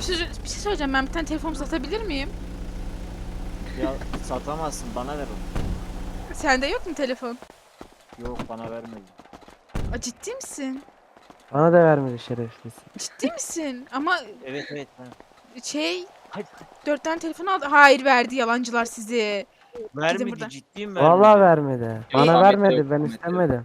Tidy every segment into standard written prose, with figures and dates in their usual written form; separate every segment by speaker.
Speaker 1: Bir şey söyleyeceğim, ben bir tane telefon satabilir miyim?
Speaker 2: Ya satamazsın, bana ver onu.
Speaker 1: Sende yok mu telefon?
Speaker 2: Yok, bana vermedi.
Speaker 1: Ciddi misin?
Speaker 3: Bana da vermedi şerefsiz.
Speaker 1: Ciddi misin? Ama
Speaker 2: Evet evet.
Speaker 1: şey,
Speaker 2: Hadi.
Speaker 1: 4 tane telefon aldı. Hayır, verdi, yalancılar sizi. Gidin
Speaker 2: Vermedi,
Speaker 1: buradan.
Speaker 2: ciddiyim,
Speaker 3: Vallahi
Speaker 2: vermedi.
Speaker 3: vermedi.
Speaker 4: Yok,
Speaker 3: Bana
Speaker 4: Ahmet yok,
Speaker 3: vermedi. Ben
Speaker 4: Ahmet yok.
Speaker 3: istemedim.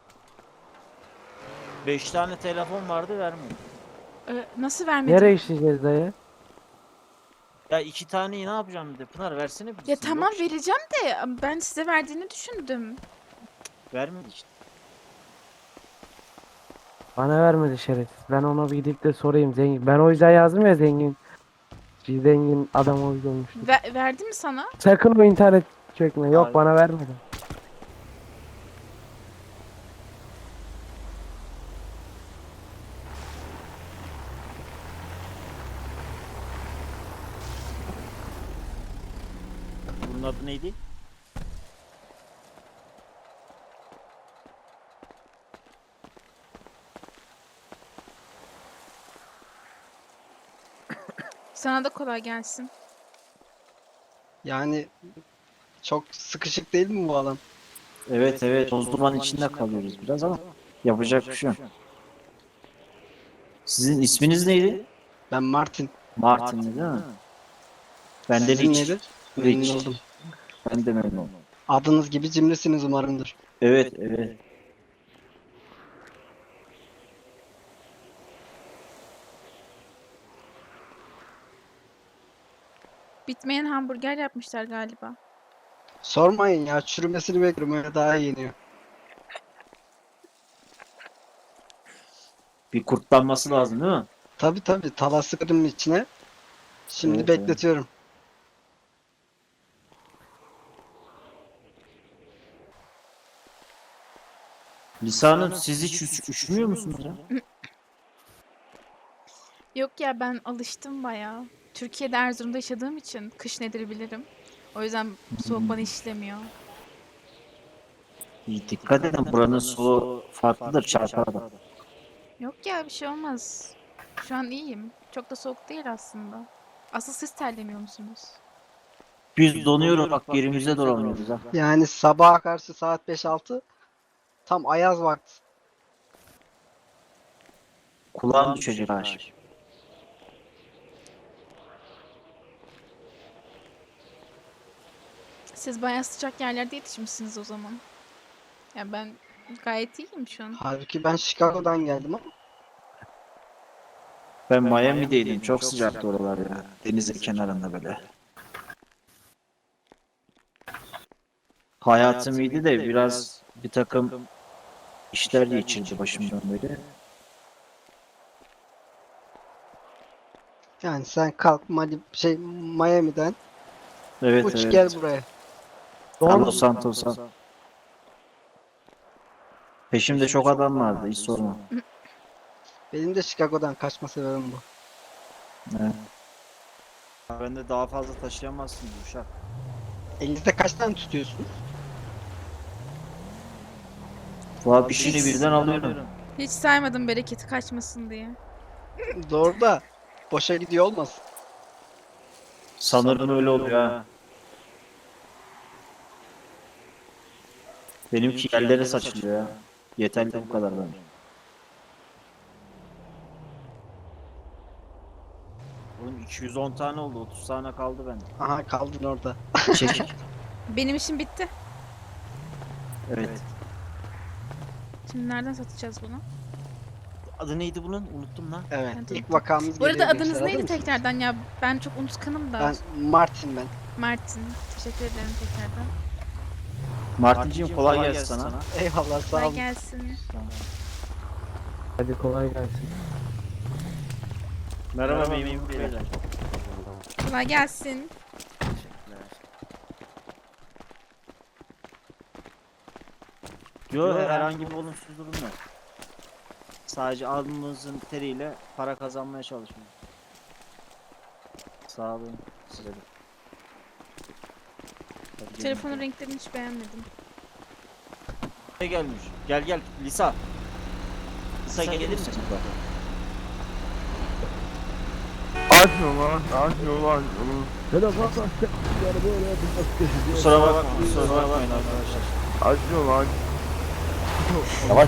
Speaker 2: 5 tane telefon vardı, vermedi.
Speaker 1: Nasıl vermedi?
Speaker 3: Nereye işleyeceğiz dayı?
Speaker 2: Ya 2 taneyi ne yapacağım dedi. Pınar versene
Speaker 1: Ya
Speaker 2: birisini.
Speaker 1: tamam,
Speaker 2: Yok işte.
Speaker 1: vereceğim de ben size verdiğini düşündüm.
Speaker 2: Vermedi işte.
Speaker 3: Bana vermedi şerefsiz. Ben ona bir gidip de sorayım zengin. Ben o yüzden yazdım ya zengin. Zengin adam o yüzden olmuştu.
Speaker 1: Verdi mi sana?
Speaker 3: Sakın o internet çökme. Yok
Speaker 2: Hayır.
Speaker 3: bana vermedi.
Speaker 2: Bunun adı neydi?
Speaker 1: Sana da kolay gelsin.
Speaker 5: Yani çok sıkışık değil mi bu alan?
Speaker 2: Evet evet. Toz duman içinde kalıyoruz biraz ama yapacak bir şey yok. Sizin isminiz neydi?
Speaker 5: Ben Martin.
Speaker 2: Martin değil mi? Ben de
Speaker 5: Sizin
Speaker 2: Rich.
Speaker 5: nedir? Memnun
Speaker 2: Rich.
Speaker 5: oldum.
Speaker 2: Ben de memnun oldum.
Speaker 5: Adınız gibi cimrisiniz umarımdır.
Speaker 2: Evet evet.
Speaker 1: Bitmeyen hamburger yapmışlar galiba.
Speaker 5: Sormayın ya, çürümesini bekliyorum, öyle daha iyi yeniyor.
Speaker 2: Bir kurtlanması lazım değil mi?
Speaker 5: Tabi tabi, tava sıkırım içine. Şimdi
Speaker 2: Evet,
Speaker 5: bekletiyorum.
Speaker 2: Lisa Hanım, siz hiç üşümüyor musunuz ya?
Speaker 1: Yok ya, ben alıştım bayağı. Türkiye'de, Erzurum'da yaşadığım için kış nedir bilirim. O yüzden soğuk bana işlemiyor.
Speaker 2: İyi, dikkat edin, buranın soğuğu farklıdır, çarpar.
Speaker 1: Yok ya, bir şey olmaz. Şu an iyiyim. Çok da soğuk değil aslında. Asıl siz terlemiyor musunuz?
Speaker 2: Biz donuyoruz bak, yerimize duramıyoruz ha.
Speaker 5: Yani sabaha karşı saat 5-6 tam ayaz vakti.
Speaker 2: Kulağın düşecek aşık.
Speaker 1: Siz bayağı sıcak yerlerde yetişmişsiniz o zaman. Ya ben gayet iyiyim şu an.
Speaker 5: Halbuki ben Chicago'dan geldim ama
Speaker 2: Ben Miami'deydim, çok sıcaktı oralar ya. Denizin kenarında böyle. Hayatım iyiydi de biraz bir takım işler geçirdi başımdan böyle.
Speaker 5: yani sen kalk Miami'den
Speaker 2: Evet
Speaker 5: uç
Speaker 2: evet.
Speaker 5: gel buraya.
Speaker 2: Los Santos'a. Peşimde çok adam vardı, hiç sorma.
Speaker 5: Benim de Chicago'dan kaçma sebebim bu.
Speaker 2: Evet. Ben de daha fazla taşıyamazsın Uşak.
Speaker 5: Elinizde kaç tane tutuyorsunuz?
Speaker 2: Valla bir şeyini birden alıyorum.
Speaker 1: Hiç saymadım bereketi kaçmasın diye.
Speaker 5: Doğru da boşa gidiyor olmasın.
Speaker 2: Sanırım öyle oluyor ha. Benimki yerlere saçılıyor ya. Yeterli bu kadar bence. Oğlum 210 tane oldu, 30 tane kaldı bende.
Speaker 5: Aha, kaldın orada.
Speaker 2: Çek.
Speaker 1: Benim işim bitti.
Speaker 2: Evet.
Speaker 1: Şimdi nereden satacağız bunu?
Speaker 2: Adı neydi bunun? Unuttum lan.
Speaker 5: Evet,
Speaker 1: Hadi.
Speaker 5: ilk vakamız
Speaker 1: Bu arada
Speaker 5: geliyor
Speaker 1: adınız
Speaker 5: gençler,
Speaker 1: neydi
Speaker 5: hazır mısınız?
Speaker 1: tekrardan ya? Ben çok unutkanım da.
Speaker 5: Ben Martin.
Speaker 1: Martin. Teşekkür ederim tekrardan.
Speaker 2: Martinciğim kolay gelsin sana.
Speaker 5: Eyvallah, sağ
Speaker 1: Kolay
Speaker 5: olun.
Speaker 1: gelsin.
Speaker 3: Hadi kolay gelsin.
Speaker 2: Merhaba memur beyler.
Speaker 1: Kolay gelsin.
Speaker 2: Yok, herhangi bir olumsuz durum yok. Sadece alnımızın teriyle para kazanmaya çalışıyoruz. Sağ olun size de. Hadi gelin
Speaker 1: Telefonun
Speaker 2: bakalım.
Speaker 1: renklerini hiç beğenmedim.
Speaker 2: Ne gelmiş? Gel gel Lisa. Lisa gelir misin?
Speaker 4: Açmıyor lan. Açmıyor lan.
Speaker 2: Kusura bakmayın arkadaşlar.
Speaker 4: Açmıyor lan.
Speaker 6: Yavaş.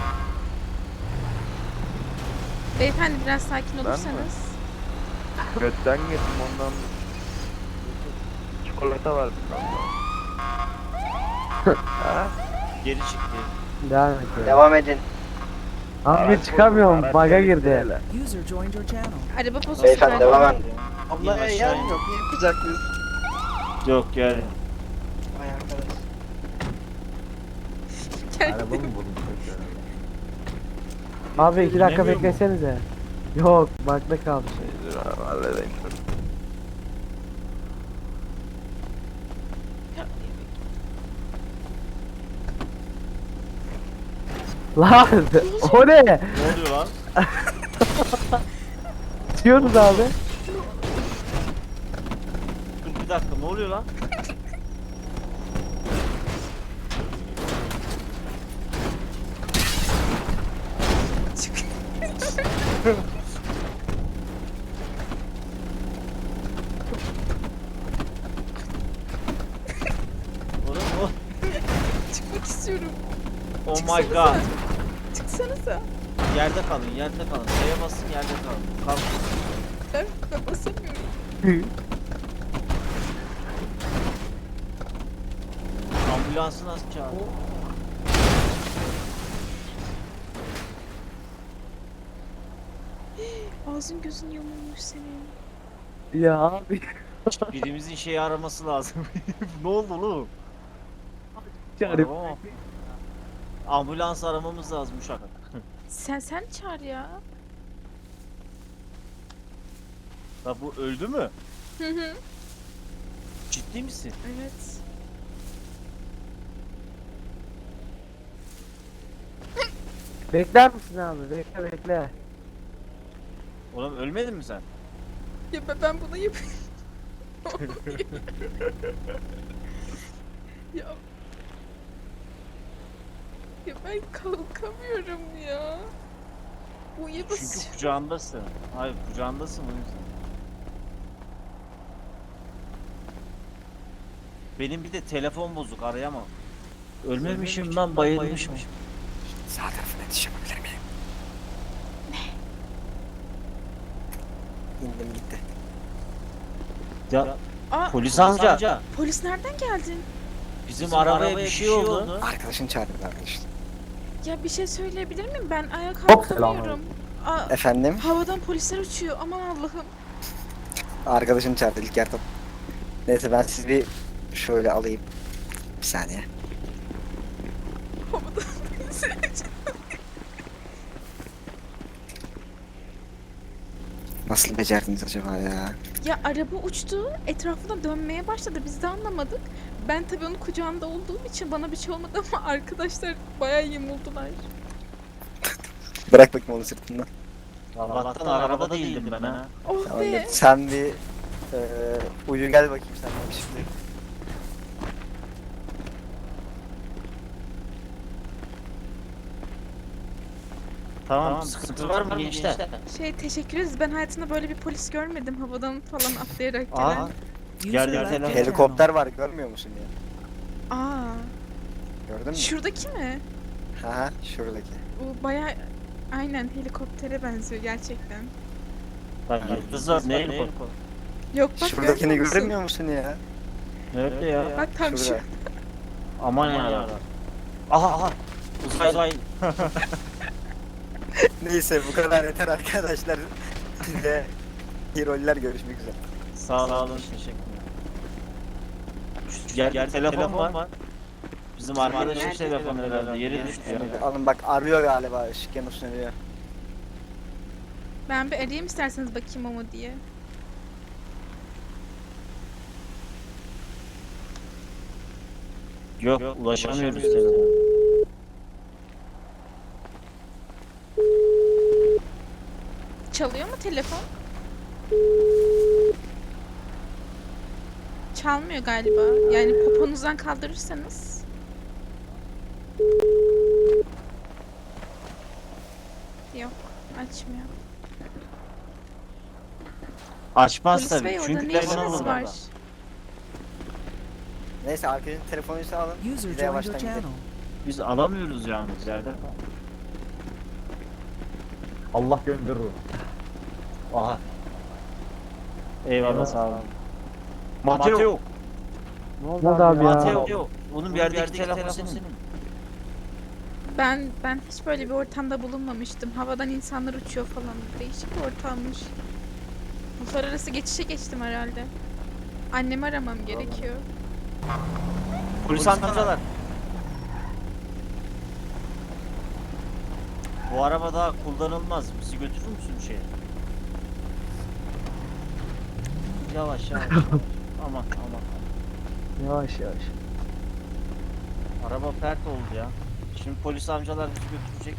Speaker 1: Beyefendi biraz sakin
Speaker 4: mi?
Speaker 1: olursanız.
Speaker 4: Götten yedim ondan. Çikolata var bir tane. Ha?
Speaker 2: Geri çıktı.
Speaker 3: Devam et. ya.
Speaker 5: Devam edin.
Speaker 3: Abi çıkamıyorum. Bug'a girdi.
Speaker 7: User joined your channel.
Speaker 1: Araba bozuldu
Speaker 5: Beyefendi
Speaker 1: galiba.
Speaker 5: devam et.
Speaker 2: İn
Speaker 5: Ablaya
Speaker 2: aşağı
Speaker 5: yer
Speaker 2: in.
Speaker 5: yok. Niye kucaklıyız?
Speaker 2: Yok gel.
Speaker 5: Vay arkadaş.
Speaker 1: Geldi.
Speaker 3: Abi 2 dakika
Speaker 2: Dinlemiyor mu?
Speaker 3: beklesenize. Yok bakta kalmış.
Speaker 4: Dur abi halledeyim.
Speaker 3: Lan o ne?
Speaker 2: Ne oluyor lan?
Speaker 3: Diyoruz abi.
Speaker 2: Dur bir dakika ne oluyor lan? Oğlum o.
Speaker 1: Çıkmak istiyorum.
Speaker 2: Oh my god.
Speaker 1: Çıksanıza.
Speaker 2: Yerde kalın, yerde kalın. Şeye basın, yerde kalın. Kalk.
Speaker 1: Ben basamıyorum.
Speaker 2: Ambulansı nasıl çağırdı?
Speaker 1: Ağzın gözün yamulmuş senin.
Speaker 3: Ya abi.
Speaker 2: Birimizin şeyi araması lazım. Ne oldu oğlum?
Speaker 3: Çağırıp.
Speaker 2: Araba mı? Ambulans aramamız lazım uşak.
Speaker 1: Sen çağır ya.
Speaker 2: Ya bu öldü mü?
Speaker 1: Hı hı.
Speaker 2: Ciddi misin?
Speaker 1: Evet.
Speaker 3: Bekler misin abi? Bekle bekle.
Speaker 2: Oğlum ölmedin mi sen?
Speaker 1: Ya ben bunu yapayım. ya. Ya ben kalkamıyorum ya. Bu iyi
Speaker 2: Çünkü kucağındasın. Hayır kucağındasın o yüzden. Benim bir de telefon bozuk arayamam. Ölmemişim lan bayılmışım.
Speaker 6: Sağ tarafına yetişebilir miyim? İndim gitti.
Speaker 2: Ya
Speaker 1: Aa,
Speaker 2: polis amca
Speaker 1: polis nereden geldin?
Speaker 2: bizim arabaya bir şey oldu.
Speaker 6: Arkadaşın çağırdı arkadaşlar.
Speaker 1: Ya bir şey söyleyebilir miyim? Ben ayağa
Speaker 3: Hop,
Speaker 1: kalkamıyorum. Aa,
Speaker 6: Efendim?
Speaker 1: havadan polisler uçuyor. Aman Allah'ım.
Speaker 6: Arkadaşım çağırdı ilk yardım. Neyse ben sizi bir şöyle alayım. Bir saniye.
Speaker 1: Havadan polisler uçuyor.
Speaker 6: Nasıl becerdiniz acaba ya?
Speaker 1: Ya araba uçtu. Etrafına dönmeye başladı. Biz de anlamadık. Ben tabii onun kucağında olduğum için bana bir şey olmadı ama arkadaşlar bayağı yamuldular.
Speaker 6: Bırak bakayım onu sırtından.
Speaker 2: Allah'tan arabada değildim ben ha.
Speaker 1: Oh
Speaker 6: Tamam,
Speaker 1: be.
Speaker 6: sen bir uyu gel bakayım sen bana şimdi.
Speaker 2: Tamam sıkıntı var mı gençler?
Speaker 1: Teşekkür ederiz. Ben hayatımda böyle bir polis görmedim. Havadan falan atlayarak gelen.
Speaker 2: Aa geldi
Speaker 7: User left
Speaker 2: telefon.
Speaker 7: your
Speaker 6: Helikopter var görmüyor musun ya?
Speaker 1: Aa,
Speaker 6: Gördün mü?
Speaker 1: şuradaki mi?
Speaker 6: Ha şuradaki.
Speaker 1: Bu bayağı aynen helikoptere benziyor gerçekten.
Speaker 2: Lan yıldızlar ne helikopter?
Speaker 1: Yok bak
Speaker 6: Şuradakini
Speaker 1: görmüyor musun?
Speaker 6: görmüyor musun ya?
Speaker 2: Nerede ya?
Speaker 1: Bak tam şu.
Speaker 6: Şurada.
Speaker 2: Aman ya. Aha. Uzay.
Speaker 6: Neyse bu kadar yeter arkadaşlar. Size iyi roller görüşmek üzere.
Speaker 2: Sağ olun teşekkürler. Gel telefon var. Bizim arkadaşın telefonu herhalde yere düştü ya.
Speaker 6: Alın bak arıyor galiba ışık yanıp sönüyor.
Speaker 1: Ben bir arayayım isterseniz bakayım ama diye.
Speaker 2: Yok ulaşamıyoruz sana.
Speaker 1: Çalıyor mu telefon? Çalmıyor galiba. Yani poponuzdan kaldırırsanız. Yok, açmıyor.
Speaker 2: Açmaz
Speaker 1: Polis
Speaker 2: tabii.
Speaker 1: bey orada
Speaker 2: Çünkü
Speaker 1: ne
Speaker 2: telefonu
Speaker 1: işiniz
Speaker 2: bulur
Speaker 1: var?
Speaker 2: orada.
Speaker 6: Neyse arkadaşın telefonuysa alın.
Speaker 7: User
Speaker 6: Biz de
Speaker 7: joined your
Speaker 6: yavaştan gidelim.
Speaker 7: channel.
Speaker 2: Biz alamıyoruz yalnız yerde.
Speaker 8: Allah gönderir onu.
Speaker 2: Aha. Eyvallah sağ olun. Mateo.
Speaker 3: Ne oldu abi ya?
Speaker 2: Mateo. Onun bir yerdeki telefon senin.
Speaker 1: Ben hiç böyle bir ortamda bulunmamıştım. Havadan insanlar uçuyor falan. Değişik bir ortammış. Uluslararası geçişe geçtim herhalde. Annemi aramam gerekiyor.
Speaker 2: Polis amcalar. Bu araba daha kullanılmaz. Bizi götürür müsün şeye? Yavaş yavaş. Aman aman.
Speaker 3: Yavaş yavaş.
Speaker 2: Araba pert oldu ya. Şimdi polis amcalar bizi götürecek.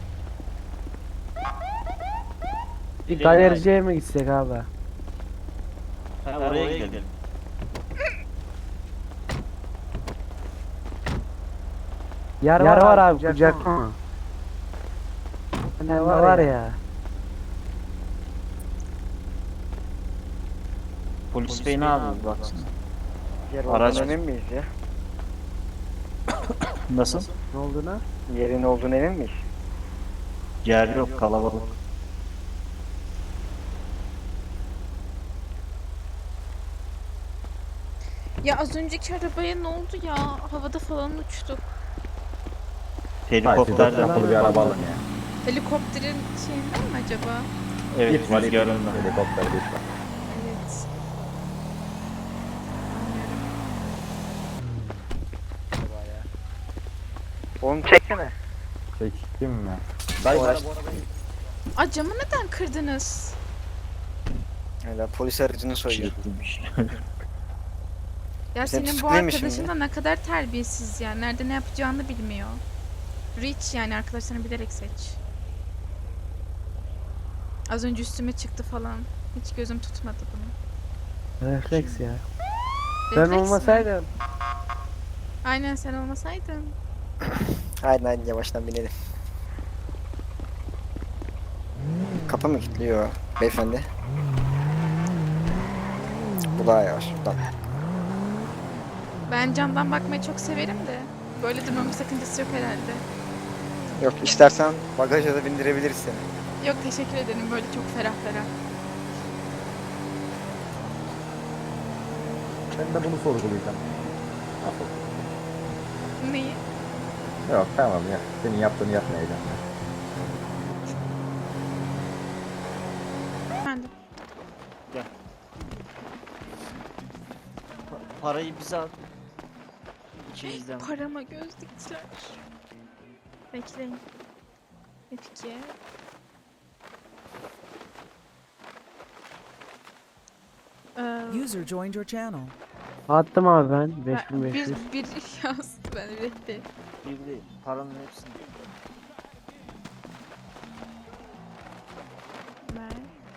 Speaker 3: Bir galericiye mi gitsek abi?
Speaker 2: Ha, oraya gidelim.
Speaker 3: Yer var abi kucak mı? Ne var ya?
Speaker 2: Polis bey ne yapıyor baksana.
Speaker 6: Yer
Speaker 2: Araç-
Speaker 6: olduğuna emin miyiz ya?
Speaker 2: Nasıl?
Speaker 3: Ne olduğuna?
Speaker 6: Yerin olduğuna emin miyiz?
Speaker 2: Yer yok kalabalık.
Speaker 1: Ya az önceki arabaya ne oldu ya? Havada falan uçtuk.
Speaker 2: Helikopterden.
Speaker 8: Yapılı bir araba alın ya.
Speaker 1: Helikopterin şeyinden mi acaba?
Speaker 2: Evet
Speaker 8: Git var
Speaker 2: rüzgarında.
Speaker 8: helikopter git var.
Speaker 1: Evet. Anlıyorum.
Speaker 6: Onu çeksene.
Speaker 8: Çektim mi? Dayı
Speaker 6: Araç-
Speaker 1: Aa, camı neden kırdınız?
Speaker 6: Öyle polis aracını soyuyor.
Speaker 2: Çekilmiş.
Speaker 1: Ya
Speaker 6: Sen
Speaker 1: senin bu
Speaker 6: tutuklayayım mı
Speaker 1: arkadaşın
Speaker 6: şimdi?
Speaker 1: da ne kadar terbiyesiz ya. Nerede ne yapacağını bilmiyor. Rich yani arkadaşlarını bilerek seç. Az önce üstüme çıktı falan. Hiç gözüm tutmadı bunu.
Speaker 3: Refleks ya. Ben
Speaker 1: Refleks mi?
Speaker 3: olmasaydım.
Speaker 1: Aynen sen olmasaydın.
Speaker 6: Haydi yavaştan binelim. Kapı mı kilitliyor beyefendi? Bu daha yavaş. Buradan.
Speaker 1: Ben camdan bakmayı çok severim de. Böyle durmamın sakıncası yok herhalde.
Speaker 6: Yok istersen bagaja da bindirebiliriz seni.
Speaker 1: Yok teşekkür ederim, böyle çok ferah ferah.
Speaker 8: ben de bunu sorgulayacağım. Nasıl?
Speaker 1: Neyi?
Speaker 8: Yok tamam ya. Senin yaptığını yapmayacağım ya.
Speaker 1: Efendim.
Speaker 2: Parayı bize al. İçimizden.
Speaker 1: Parama göz diktiler. Bekleyin. F2.
Speaker 7: User joined your channel.
Speaker 3: Attım abi ben 5500.
Speaker 1: bir yazdı ben bekle.
Speaker 2: Bir değil. Paranın hepsini.
Speaker 1: Ver.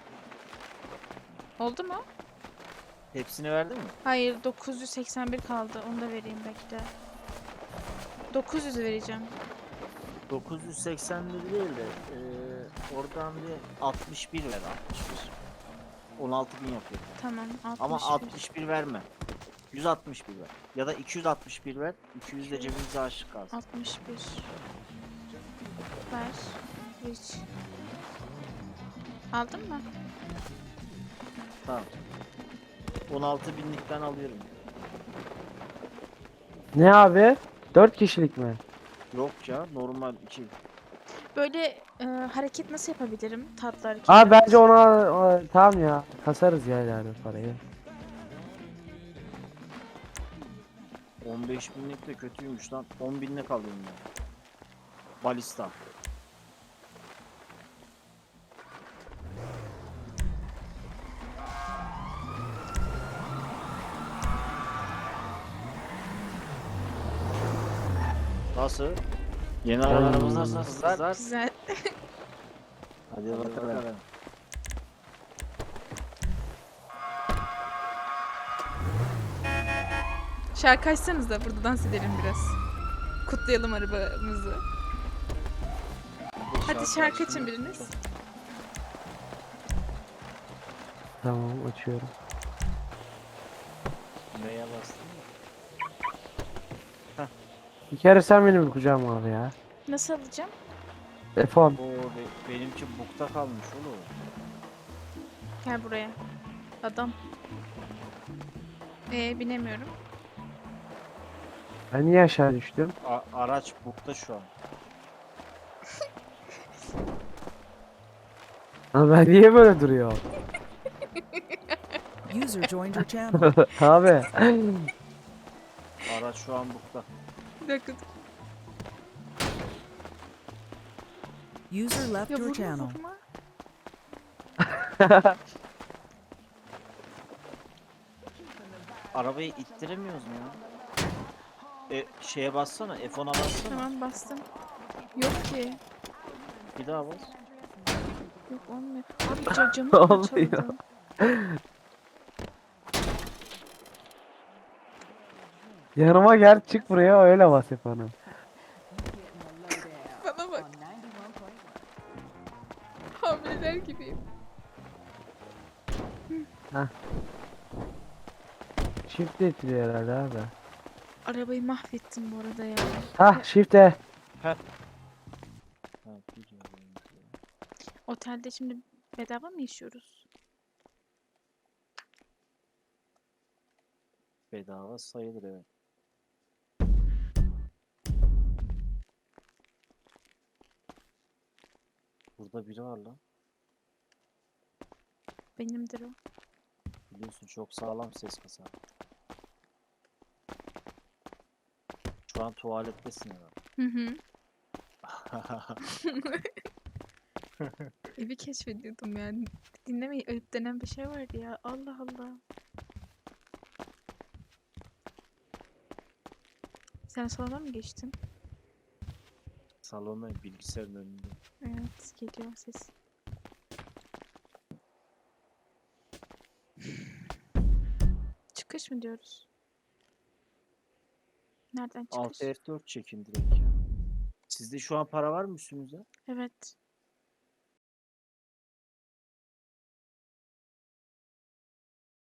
Speaker 1: Oldu mu?
Speaker 2: Hepsini verdin mi?
Speaker 1: Hayır, 981 kaldı. Onu da vereyim bekle. 900 vereceğim.
Speaker 2: 981 değil de oradan bir 61 ver 61. 16.000 yapıyor.
Speaker 1: Tamam, 61.
Speaker 2: Ama 61 verme. 161 ver. Ya da 261 ver. 200 de cebimize aşık kalsın.
Speaker 1: 61. Ver. Rich. Aldın mı?
Speaker 2: Tamam. 16.000'likten alıyorum.
Speaker 3: Ne abi? 4 kişilik mi?
Speaker 2: Yok ya normal 2.
Speaker 1: Böyle hareket nasıl yapabilirim? Tatlı hareket.
Speaker 3: Abi bence ona tamam ya. Kasarız ya yani parayı.
Speaker 2: 15.000'lik de kötüymüş lan. 10.000'lik alıyorum ya. Balista. Nasıl? Yeni arabalarımız nasıl kızlar?
Speaker 1: Güzel.
Speaker 2: Hadi bakalım.
Speaker 1: Şarkı açsanız da burada dans edelim biraz. Kutlayalım arabamızı. Hadi şarkı açın biriniz.
Speaker 3: Tamam açıyorum.
Speaker 2: Neye bastın?
Speaker 3: Bir kere sen benim kucağıma al ya.
Speaker 1: Nasıl alacağım?
Speaker 3: F10.
Speaker 2: Benimki bukta kalmış oğlum.
Speaker 1: Gel buraya. Adam. Binemiyorum.
Speaker 3: Ben niye aşağı düştüm?
Speaker 2: Araç bukta şu an.
Speaker 3: Ama ben niye böyle duruyor?
Speaker 7: User joined your channel.
Speaker 3: Abi.
Speaker 2: Araç şu an bukta.
Speaker 1: Bir dakika.
Speaker 7: User left
Speaker 1: Ya
Speaker 7: your
Speaker 1: vurma
Speaker 7: channel.
Speaker 1: vurma.
Speaker 2: Arabayı ittiremiyoruz mu ya? Şeye bassana, F10'a bassana.
Speaker 1: Tamam bastım. Yok ki.
Speaker 2: Bir daha bas.
Speaker 1: Yok olmuyor. Abi camı
Speaker 3: Olmuyor.
Speaker 1: parçaladım.
Speaker 3: Yanıma gel çık buraya öyle bas hep onu.
Speaker 1: Bana bak. Hamileler gibiyim.
Speaker 3: Shift ettiriyor herhalde abi.
Speaker 1: Arabayı mahvettim bu arada ya.
Speaker 3: Hah shift'e.
Speaker 2: Ha, biliyorum.
Speaker 1: Otelde şimdi bedava mı yaşıyoruz?
Speaker 2: Bedava sayılır evet. Burada biri var lan.
Speaker 1: Benimdir o.
Speaker 2: Biliyorsun çok sağlam ses kasa. Şu an tuvalettesin herhalde.
Speaker 1: Hı hı. Evi keşfediyordum yani. Dinlemeyi ayıp denen bir şey vardı ya. Allah Allah. Sen salona mı geçtin?
Speaker 2: Salonda bilgisayarın önünde.
Speaker 1: Evet, geliyor ses. Çıkış mı diyoruz? Nereden çıkış?
Speaker 2: 6 F4 çekin direkt ya. Sizde şu an para var mı üstünüzde?
Speaker 1: Evet.